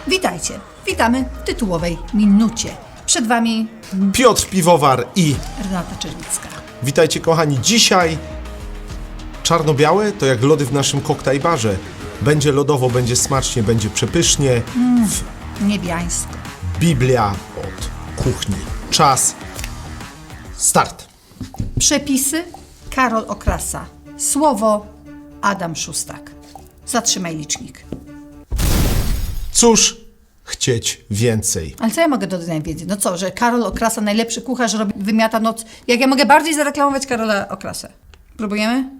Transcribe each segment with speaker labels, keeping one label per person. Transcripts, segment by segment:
Speaker 1: Witajcie, witamy w tytułowej minucie. Przed Wami
Speaker 2: Piotr Piwowar i
Speaker 1: Renata Czerwicka.
Speaker 2: witajcie kochani. Dzisiaj czarno-białe to jak lody w naszym koktajbarze. Będzie lodowo, będzie smacznie, będzie przepysznie.
Speaker 1: Niebiańsko.
Speaker 2: Biblia od kuchni. Czas. Start.
Speaker 1: Przepisy Karol Okrasa. Słowo Adam Szustak. Zatrzymaj licznik.
Speaker 2: Cóż chcieć więcej?
Speaker 1: Ale co ja mogę dodać najwięcej? No co, że Karol Okrasa, najlepszy kucharz, robi, wymiata noc. Jak ja mogę bardziej zareklamować Karola Okrasę? Próbujemy?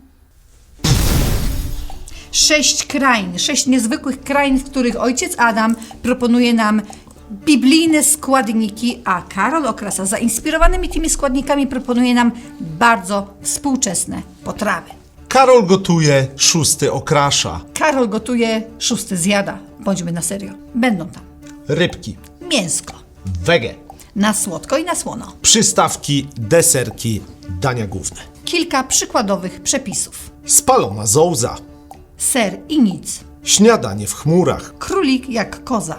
Speaker 1: 6 krain, 6 niezwykłych krain, w których ojciec Adam proponuje nam biblijne składniki, a Karol Okrasa zainspirowanymi tymi składnikami proponuje nam bardzo współczesne potrawy.
Speaker 2: Karol gotuje, Szósty okrasza.
Speaker 1: Karol gotuje, Szósty zjada. Bądźmy na serio. Będą tam
Speaker 2: Rybki.
Speaker 1: mięsko,
Speaker 2: Wege.
Speaker 1: na słodko i na słono.
Speaker 2: Przystawki, deserki, dania główne.
Speaker 1: Kilka przykładowych przepisów.
Speaker 2: Spalona zołza.
Speaker 1: Ser i nic.
Speaker 2: Śniadanie w chmurach.
Speaker 1: Królik jak koza.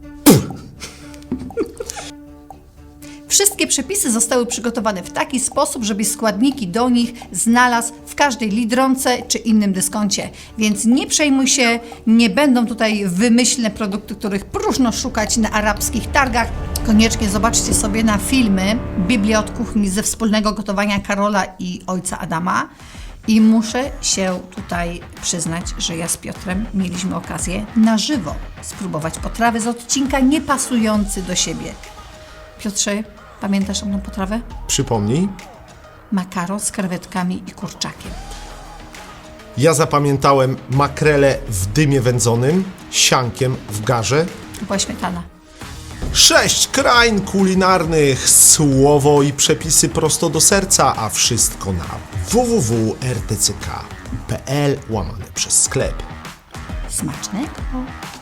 Speaker 1: Wszystkie przepisy zostały przygotowane w taki sposób, żeby składniki do nich znalazł w każdej Lidronce czy innym dyskoncie. Więc nie przejmuj się, nie będą tutaj wymyślne produkty, których próżno szukać na arabskich targach. Koniecznie zobaczcie sobie na filmy Biblia od kuchni ze wspólnego gotowania Karola i ojca Adama. I muszę się tutaj przyznać, że ja z Piotrem mieliśmy okazję na żywo spróbować potrawy z odcinka niepasujący do siebie. Piotrze, pamiętasz tą potrawę?
Speaker 2: Przypomnij.
Speaker 1: Makaron z krewetkami i kurczakiem.
Speaker 2: Ja zapamiętałem makrele w dymie wędzonym, siankiem w garze.
Speaker 1: To była śmietana.
Speaker 2: 6 krain kulinarnych, słowo i przepisy prosto do serca, a wszystko na www.rtck.pl /sklep.
Speaker 1: Smacznego!